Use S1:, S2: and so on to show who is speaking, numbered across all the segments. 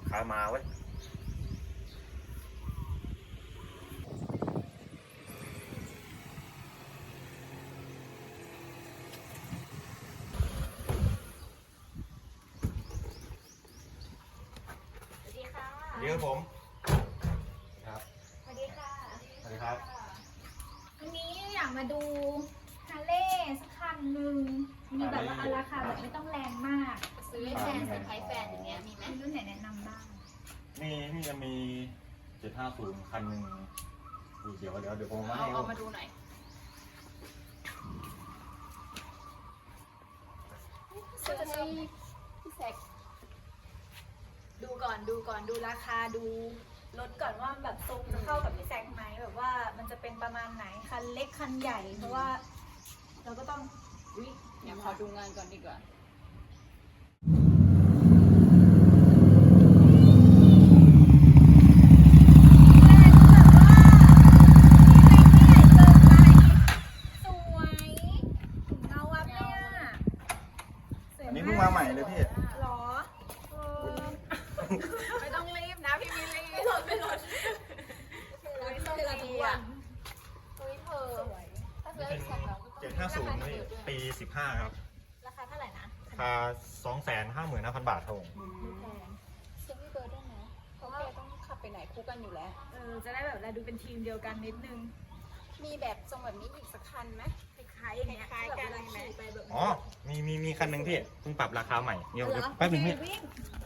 S1: ค้ามาไว้เดี๋ยวผมครับ
S2: สวัสดีค่ะ
S1: สวัสดีครับ
S2: วันนี้อยากมาดูฮาร์เลย์สักคันหนึ่งมีแบบว่าราคาแบบไม่ต้องแรงมาก
S3: ซื้อให้แฟนเซอร์ไพรส์แฟนอย่างเงี้ยมีไหม
S2: มีรุ่นไหนแนะนำบ้าง
S1: นี่จะมี750คันหนึ่งเดี๋ยวผมมาให้
S3: เอามาดูหน่อย ซื้อให้พี่แซก
S2: ดูก่อนดูราคาดูรถก่อนว่าแบบทรงจะเข้ากับพี่แซคไหมแบบว่ามันจะเป็นประมาณไหนคันเล็กคันใหญ่เพราะว่าเราก็ต้อง
S3: อุ๊ยเดี๋ยวขอดูงานก่อนดีกว่า
S1: อันนี้เพิ่งมาใหม่เลยพี่
S2: หรอ
S3: ไม่ต้องรีบนะพี่มิลลี่ไม่รถไม่ต้องรีบอ่ะอุ๊ยเธอถ้าซื้อให้แซกเราก็ต้อง
S1: 750นี่ปี15ครับ
S2: ราคาเท่าไหร่นะ
S1: ราคา 255,000 บาทครับผม
S3: ซื้อพี่เบิร์ดได้ไหมเพราะว่าต้องขับไปไหนคู่กันอยู่แล้ว
S2: จะได้แบบเราดูเป็นทีมเดียวกันนิดนึง
S3: มีแบบทรงแบบนี้อีกสักคันไหม
S2: คล้ายๆอย่างเงี้ย
S3: คล้ายๆกัน
S2: แบบเวลาขี่ไปแบบ
S1: อ๋อมีคันหนึ่งพี่เพิ่งปรับราคาใหม่เดี๋ยวแป๊บนึงพี่
S2: วิ่ง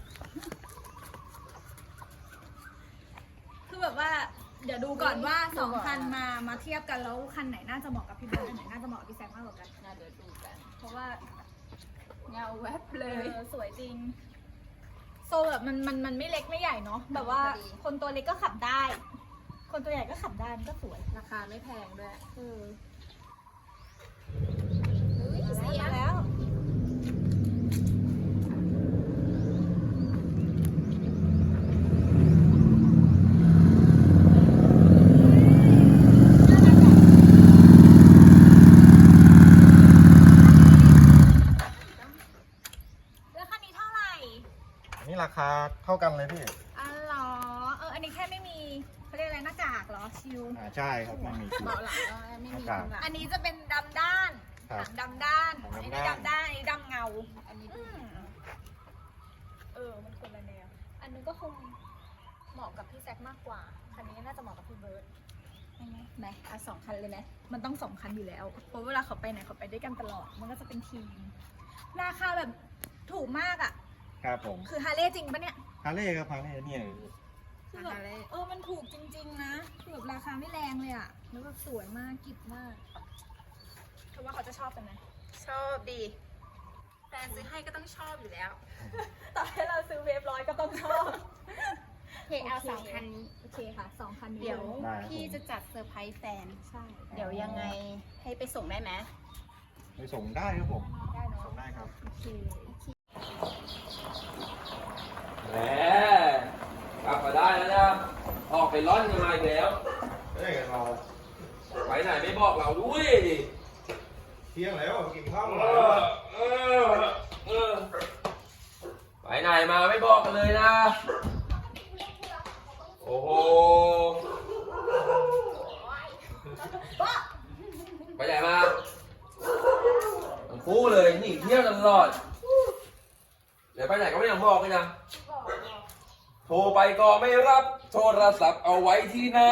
S2: คือแบบว่าเดี๋ยวดูก่อนว่าสองคันมาเทียบกันแล้วคันไหนน่าจะเหมาะกับพี่เบิร์ดอันไหนน่าจะเหมาะกับพี่แซคมากกว่ากัน
S3: น่าเดี๋ยวดูกัน
S2: เพราะว่า
S3: เงาแวบเลย
S2: สวยจริง โซแบบมันไม่เล็กไม่ใหญ่เนาะแบบว่าคนตัวเล็กก็ขับได้ คนตัวใหญ่ก็ขับได้มันก็สวย
S3: ราคาไม่แพงด้วย
S2: เออ
S3: อุ้ยเสีย
S2: มาแล้ว แล้วคันนี้เท่าไหร่
S1: อันนี้ราคาเท่ากันเลยพี่
S2: อ๋อเหรอ อันนี้แค่ไม่มีเขาเรียกอะไรหน้ากากเหรอ ชิว
S1: ใช่ครับไม่มีคิว
S3: เบาะหลังก็ไม่มีข้างหลัง
S2: อันนี้จะเป็นดำด้าน
S1: ครับ
S2: หนังดำด้าน
S1: หนั
S2: อัน
S1: ง
S2: นี้
S1: ดำด้าน
S2: ดำด้าน อันนี้ดำเงา
S3: อันนี้
S2: อื
S3: ดู
S2: มมันคนละแนว อันนึงก็คงเหมาะกับพี่แซคมากกว่า คันนี้น่าจะเหมาะกับพี่เบิร์ดไหมเอาสองคันเลยไหมมันต้องสองคันอยู่แล้ว เพราะเวลาเขาไปไหนเขาไปด้วยกันตลอด มันก็จะเป็นทีม ราคาแบบถูกมากอ่ะ
S1: ครับผม
S2: คือฮาร์เลย์จริงปะเนี่ย
S1: ฮาร์เลย์ครับฮาร์เลย์เนี่ย
S2: คือแบบมันถูกจริง ๆ นะคือแบบราคาไม่แรงเลยอ่ะ แล้วแบบสวยมากกิบมากเธอว่าเขาจะชอบกันไหม
S3: ชอบดีแฟนซื้อให้ก็ต้องชอบอยู่แล้ว
S2: ต่อให้เราซื้อเวฟร้อยก็ต้องชอบ
S3: โอเคเอาสองคันนี้
S2: โอเคค่ะสองคันนี้
S3: เดี๋ยว
S2: ล
S3: พี่จะจัดเซอร์ไพรส์แฟน
S2: ใช่
S3: เดี๋ยวยังไงให้ไปส่งได้ไหม
S1: ไปส่งได้ครับผม
S2: ได้เนาะ
S1: ส่งได้ครับ
S2: โอเค
S4: แหมกลับมาได้แล้วนะ ออกไปร่อนกันมาอีกแล้ว
S1: เฮ้ยเรา
S4: ไปไหนไม่บอกเราด้วยดิ
S1: เที่ยงแล้วกินข้าว
S4: เอ
S1: แล้ว
S4: อเออเออไปไหนมาไม่บอกกันเลยนะ โอ้โห ไปไหนมาทั้งคู่เลยหนีเที่ยวตลอด เดี๋ยวไปไหนก็ไม่ต้องบอกเลยนะ โทรไปก็ไม่รับ โทรศัพท์เอาไว้ที่ไหน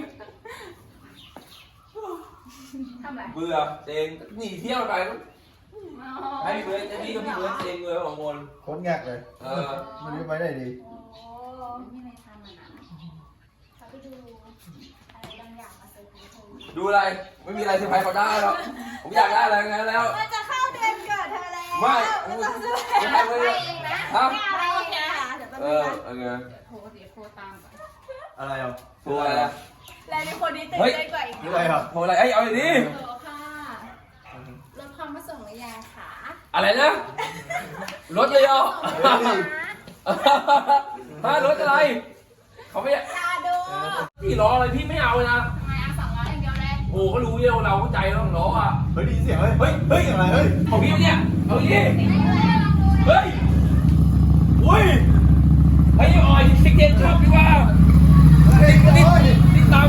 S3: ทำไร
S4: เบื่อเซ็งหนีเที่ยวไปให้พี่เบิร์ดจะพี่กับพี่เบิร์ดเซ็งเลยสองคน
S1: โคตรแงกเลย มันนี้ไปได้ดี
S2: โอ้
S3: ไม่มีอะไรทำอ่ะนะ
S2: เขาไปดูอะไรบางอย่างมาเซอร์ไพรส์เธอ
S4: ดูอะไร ไม่มีอะไรเซอร์ไพรส์เขาได้หรอกผมอยากได้อะไรงั้นแล้ว
S2: มันจะเข้าเดือนเกิดเธอแล้ว
S4: ไม่
S2: มันจะซื้อ
S4: ไม่ทำเลยครับ
S2: ไม่เอาอะไรเองค่ะเดี๋ยวแป๊บ
S4: เอ
S2: นึง
S4: อ
S2: นะ
S4: เออ
S3: เดี๋ยวโทรตามก่อน
S1: อะไรอ่ะ
S4: ตัวอะไรอะ
S2: แล้วในคนนี้ตื่น
S4: เฮ้ย
S2: เต้นกว่าอีก
S1: นี่อะไรครับ
S4: โทรอะไรเอ้ยเอาอย่างนี้
S3: โทรค่ะรถความมาส่งหรือยังคะ
S4: อะไรนะ รถเลยเหรอฮะรถอะไร เขาไม่
S2: ตาดู
S4: ที่ล้ออะไรพี่ไม่เอาเลยนะ
S3: ทำไมเอา200อย่างเดียวเลย
S4: โอ้ก็รู้เยอะเราเข้าใจแล้วล้ออ่ะ
S1: เฮ้ยได้ยินเสียงเลย
S4: เฮ้ย เฮ้ย
S1: อะไรเฮ้ย
S4: ของพี่เนี่ย เอาอย่างนี้ เฮ้ย อุ้ย เฮ้ยออย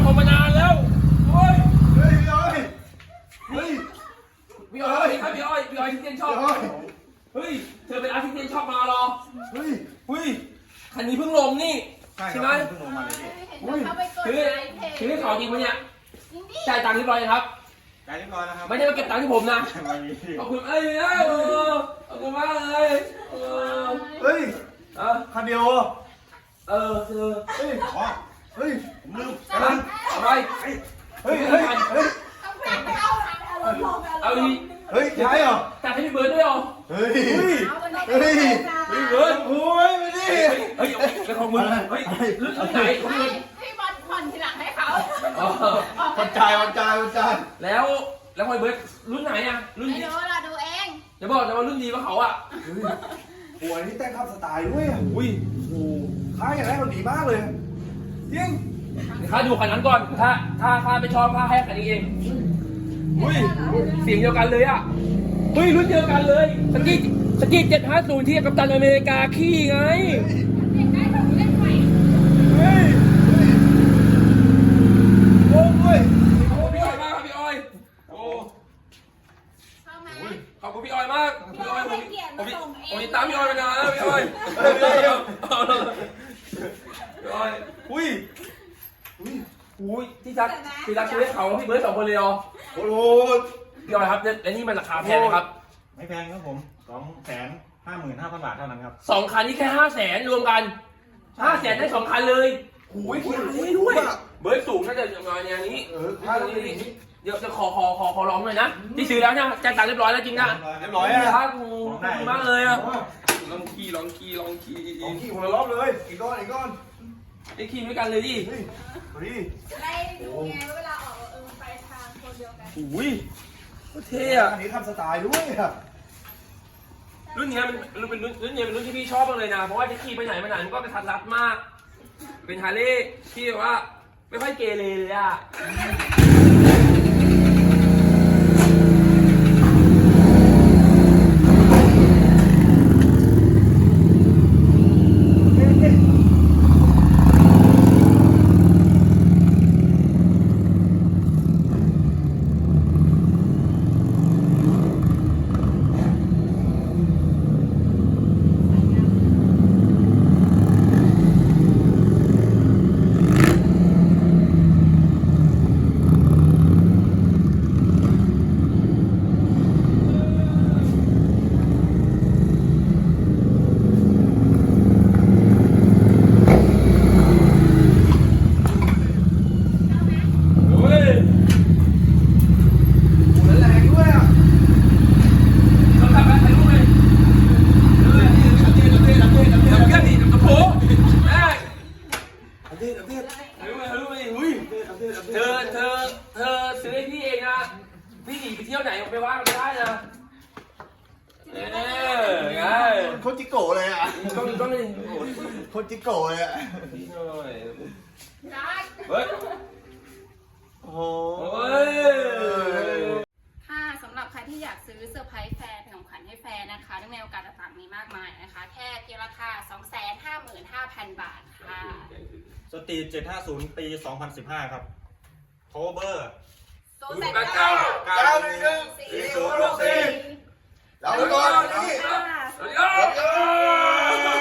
S4: ผมมานานแล้วโอ้ย
S1: เฮ้ยพี่อ้อยเฮ้ย
S4: พี่อ้อยครับพี่อ้อยที่เตียนชอบ
S1: พี่อ้อย
S4: เฮ้ยเธอเป็นอาร์ติสเตียนชอบมาเหรอ
S1: เฮ้ย
S4: เฮ้ยคันนี้เพิ่งลงนี่
S1: ใช่
S4: ใช่
S1: ค
S4: ไหม
S1: รับเพิ่งลงมาเลยพี่
S3: เห็นเขาไปกด
S4: คือ
S3: ไลค์เพจ
S4: คือให้เขาจริงปะเนี่ย
S3: จริงดิ
S4: จ่ายตังค์เรียบร้อยครับ
S1: ได้เรียบร้อยแล้วครับ
S4: ไม่ได้มาเก็บตังค์ที่ผมนะ
S1: ไม่มี
S4: ขอบคุณเอ้ยขอบคุณมากเลย
S1: เฮ้ย
S4: อ่ะ
S1: คันเดียว
S4: เออเธอ
S1: เฮ้ยอ๋อเฮ้ยผมลืม
S4: อะไร
S1: เฮ้ยเฮ้ยเฮ้ย
S3: ต้องแพงเข้าทางอารมณ์ลง
S4: เอาดี
S1: เฮ้ยใช่เหรอ
S4: จ่ายให้พี่เบิร์ดด้วยเหรอ
S1: เฮ้ย
S3: เอามัน
S1: เฮ้ย
S4: พี่เบิร์ด
S1: โอ้ยไม่ดิ
S4: เฮ้ยเป็นของมึงเฮ้ยรุ่นไหนของมึง
S3: ให้บอลผ่อนทีหลังให้เขา
S1: วันจ่าย
S4: แล้วพอยเบิร์ดรุ่นไหนอ่ะรุ่น
S3: ไม่
S4: ดี
S3: รู้เราดูเอง
S4: จะบอกนะว่ารุ่นดีกว่าเขาอ่ะ
S5: โอ้ยนี่แต่งข้ามสไตล์ด้วยอ่ะ
S4: อุ้ย
S5: โอ้ค่ายอย่างแรกมันดีมากเลยจริง
S4: ข้าดูคันนั้นก่อนถ้าข้าไม่ชอบข้าให้คันนี้เองอุ้ยเสียงเดียวกันเลยอ่ะอุ้ยรุ่นเดียวกันเลยสกี750ที่กัปตันอเมริกาขี่ไง
S3: เล่นได้แบบเล่นใหม่
S5: เฮ้ยโอ้ย
S4: ขอบคุณพี่อ้อยมากครับพี่อ้อยโอ้
S3: ชอบไหม
S4: ขอบคุณพี่อ้อยมากพี่อ้อยผมติดตามพี่อ้อยมานานแล้วพี่อ้อยพี่อ้อยอุ้ยอุ้ยที่รักซื้อให้เขาพี่เบิร์ด2 คนเลยเหรอ
S5: โอ้โห
S4: พี่อ้อยครับและนี่มันราคาแพงไหมครับ
S1: ไม่แพงครับผม 255,000 บาทเท่านั้นครับ
S4: 2 คันนี่แค่500,000รวมกัน500,000ได้2 คันเลยหูยพี่ให้ด้วยเบิร์ดสูงน่าจะประมาณอย่างนี้
S5: ค่ายต้องเป็นอย่างนี้
S4: เดี๋ยวจะขอร้องหน่อยนะที่ซื้อแล้วนะจ่ายตังค์เรียบร้อยแล้วจริงนะ
S5: เรียบร้อยอ่ะ
S4: ขอบคุณมากเลยอ่ะลองขี่
S5: ของขี่คนละรอบเลยอีกก้อน
S4: ได้ขี่ด้วยกันเลยดิ
S5: เฮ้ยพอดี
S3: จะได้ดูไงว่าเวลาออกไปทางคนเดียวกัน
S4: อุ้ยเท่อะ
S5: อันนี้ข้ามสไตล์ด้วยอ่ะ
S4: รุ่นนี้มันเป็นรุ่นที่พี่ชอบมากเลยนะเพราะว่าจะขี่ไปไหนมาไหนมันก็กระทัดรัดมาก เป็นฮาร์เลย์ที่แบบว่าไม่ค่อยเกเรเลยอ่ะ เฮ้ย
S5: โอ้ยแรงด้วยอ่ะ
S4: เราทำอะไรรู้ไหมเพื่อนดิกับโผล่แม่
S5: อัปเดต
S4: รู้ไหมอุ้ยเธอซื้อให้พี่เองนะพี่หนีไปเที่ยวไหนไปว่าไม่ได้นะไง
S5: โคจิโกะเลยอ่ะ
S4: ต้องนี่
S5: โคจิโกะเลยอ่ะ
S4: พี่หน่อย
S3: ได้
S4: เฮ้ย
S5: โอ้
S4: โอ้ย
S3: ค่ะสำหรับใครที่อยากซื้อเซอร์ไพรส์แฟนเป็นของขวัญให้แฟนนะคะเนื่องในโอกาสต่างๆมีมากมายนะคะแค่เพียงราคา 255,000 บาทค่ะ
S1: สตรีท750 ปี 2015 ครับ cover
S5: 911 4064 เราไปก่อนนี่
S4: สวัสดีครับ